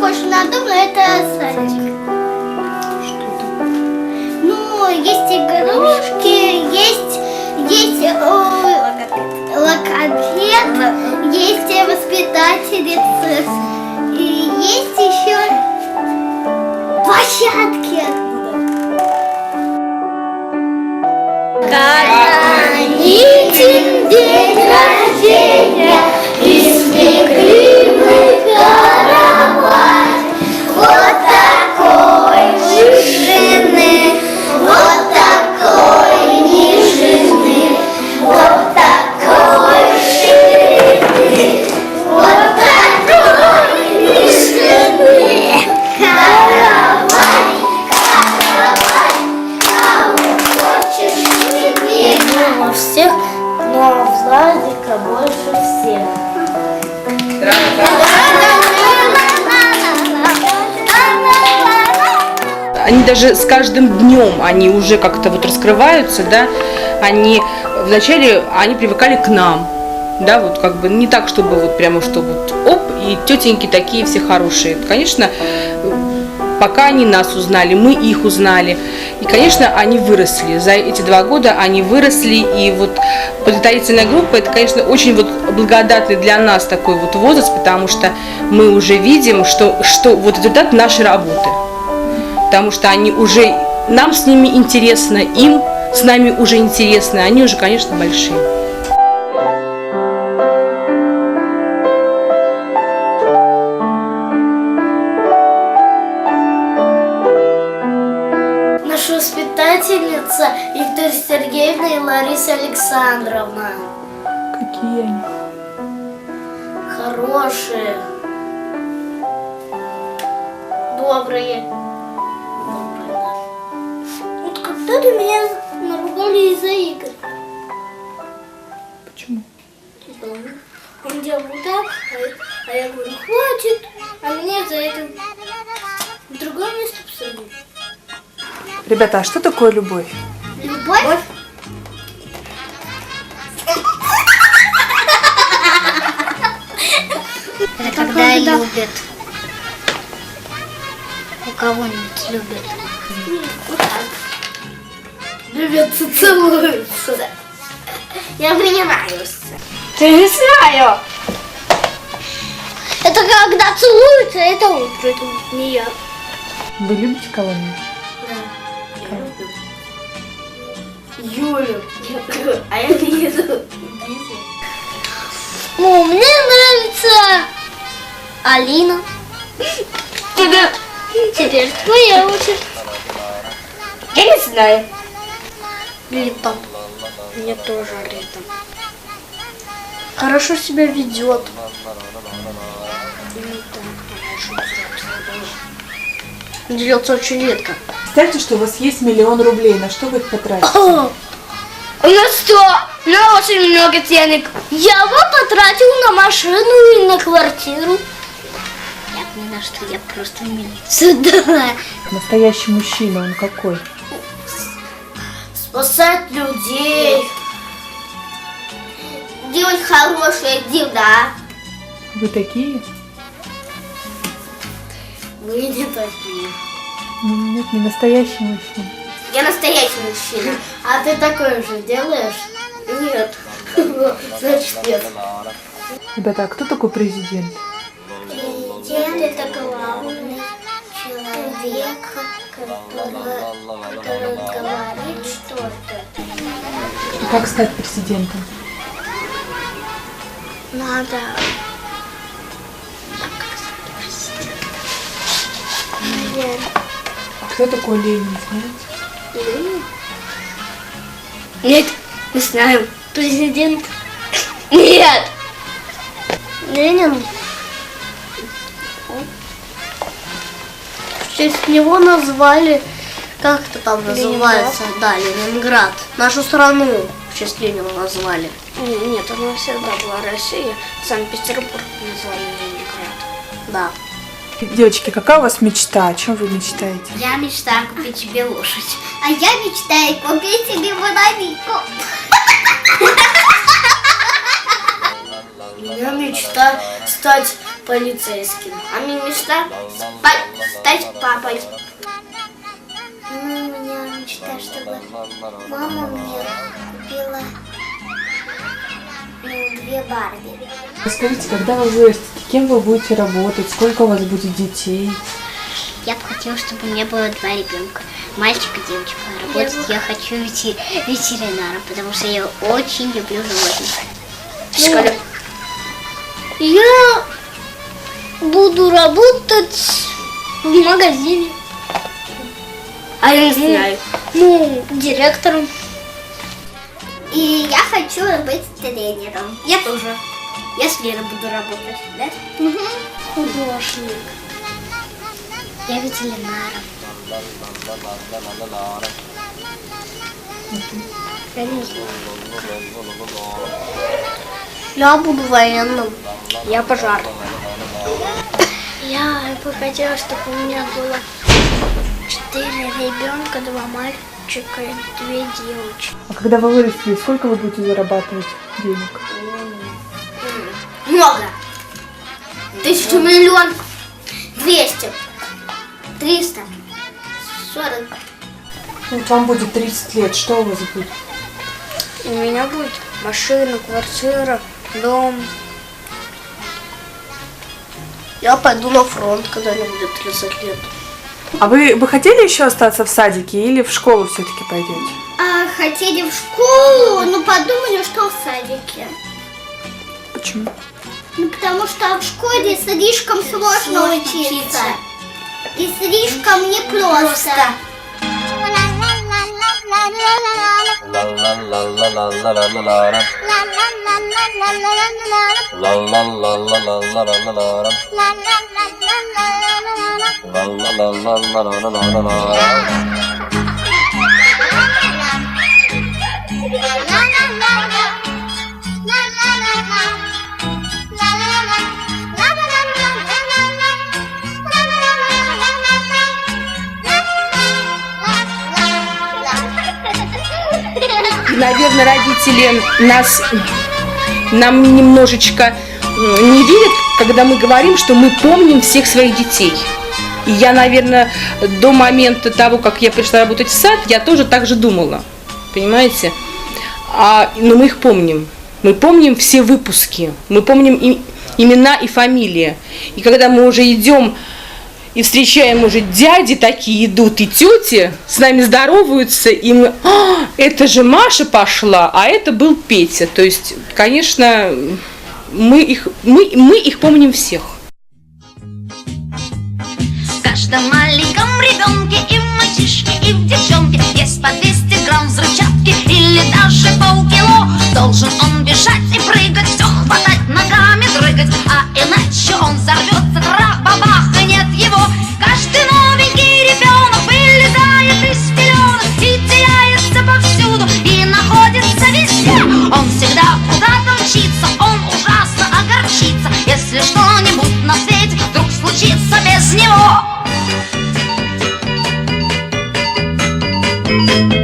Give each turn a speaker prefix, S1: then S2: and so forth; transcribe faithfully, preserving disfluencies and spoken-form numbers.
S1: похож на дом, но это садик.
S2: Что это?
S1: Ну, есть игрушки, есть, есть о, логопед, есть воспитательница, и есть еще площадки. Каноничен день рождения, испекли мы каравай. Вот такой вышины, вот такой нижины, вот такой ширины, вот такой вышины. Каравай, каравай, кого хочешь себе.
S3: Мама всех, но Владика больше всех.
S2: Они даже с каждым днем, они уже как-то вот раскрываются, да, они вначале, они привыкали к нам, да, вот как бы не так, чтобы вот прямо, что вот оп, и тетеньки такие все хорошие. Конечно, пока они нас узнали, мы их узнали. И, конечно, они выросли. За эти два года они выросли. И вот подготовительная группа, это, конечно, очень вот благодатный для нас такой вот возраст, потому что мы уже видим, что, что вот результат нашей работы. Потому что они уже, нам с ними интересно, им с нами уже интересно, они уже, конечно, большие.
S3: Наша воспитательница Виктория Сергеевна и Лариса Александровна.
S2: Какие они?
S3: Хорошие. Добрые. Вот когда-то меня наругали из-за игр.
S2: Почему?
S3: Он делал вот так, а, а я говорю, хватит, а меня за это в другое место посадили.
S4: Ребята, а что такое любовь?
S1: Любовь? Это когда любят. У кого-нибудь любят.
S3: Вот так. Любятся, целуются. Я мне нравится. Ты не знаю.
S1: Это когда целуются, это утро, это не я.
S4: Вы любите кого-нибудь?
S3: Да. Юлю. А я Лизу.
S1: Ну, мне нравится Алина.
S3: Тебе...
S1: Теперь твоя очередь.
S3: Я не знаю.
S1: Рита.
S3: Мне тоже Рита. Хорошо себя ведет. Дерется очень редко.
S4: Представьте, что у вас есть миллион рублей. На что вы их потратите?
S3: У нас что? У меня очень много денег.
S1: Я бы потратил на машину и на квартиру.
S3: Я поняла, что я просто милицию.
S1: Да.
S4: Настоящий мужчина, он какой?
S3: Спасать людей.
S1: Делать хорошее дела.
S4: Вы такие?
S3: Вы не такие.
S4: Ну, нет, не настоящий мужчина.
S3: Я настоящий мужчина. А ты такое же делаешь? Нет. Значит, нет.
S4: Ребята, а кто такой президент?
S1: Президент — это главный человек, который, который говорит что-то.
S4: И как стать президентом?
S1: Надо. Наверное.
S4: А кто такой Ленин, знаете?
S3: Нет, не знаю.
S1: Президент
S3: Нет.
S1: Ленин.
S3: В честь него назвали, как это там называется? Да, Ленинград. Нашу страну в честь Ленина назвали. Нет, она всегда была Россия. Санкт-Петербург назвали Ленинград. Да.
S4: Девочки, какая у вас мечта? О чем вы мечтаете?
S1: Я мечтаю купить себе лошадь. А я мечтаю купить себе бананинку.
S3: У меня меня мечта стать полицейским. А мне мечта стать папой.
S1: Ну, у меня мечта, чтобы мама мне купила ну, две Барби.
S4: Расскажите, когда вы вырастете, кем вы будете работать, сколько у вас будет детей?
S1: Я бы хотела, чтобы у меня было два ребенка, мальчик и девочка. Работать я хочу ветер... ветеринаром, потому что я очень люблю животных.
S3: Школя.
S1: Я буду работать в магазине.
S3: А я не знаю.
S1: Ну, директором. И я хочу быть тренером.
S3: Я тоже. Я с Лерой буду работать, да?
S1: Угу. Художник. Я ветеринаром. Я не знаю.
S3: Я буду военным.
S1: Я пожарным. Я бы хотела, чтобы у меня было четыре ребенка, два мальчика и две девочки.
S4: А когда вы вырастете, сколько вы будете зарабатывать денег?
S3: Много. Тысячу, миллион, двести, триста, сорок.
S4: Вот вам будет тридцать лет, что у вас будет?
S1: У меня будет машина, квартира, дом.
S3: Я пойду на фронт, когда мне будет тридцать лет.
S4: А вы бы хотели еще остаться в садике или в школу все-таки пойдете?
S1: А хотели в школу, но подумали, что в садике.
S4: Почему?
S1: Ну, потому что в школе слишком сложно учиться. И слишком непросто.
S2: Наверное, родители нас, нам немножечко не верят, когда мы говорим, что мы помним всех своих детей. И я, наверное, до момента того, как я пришла работать в сад, я тоже так же думала, понимаете? А, но мы их помним. Мы помним все выпуски, мы помним и, имена и фамилии. И когда мы уже идем и встречаем уже дяди такие идут, и тети с нами здороваются, и мы, а, это же Маша пошла, а это был Петя. То есть, конечно, мы их, мы, мы их помним всех.
S5: В каждом маленьком ребенке и в мальчишке, и в девчонке есть по двести грамм взрывчатки или даже полкило. Должен он бежать и прыгать, все хватать, ногами дрыгать, а иначе он взорвется, тра-бабах, и нет его. Каждый новенький ребенок вылезает из пеленок и теряется повсюду, и находится везде. Он всегда куда-то мчится, он ужасно огорчится, если что-нибудь на свете вдруг случится без него.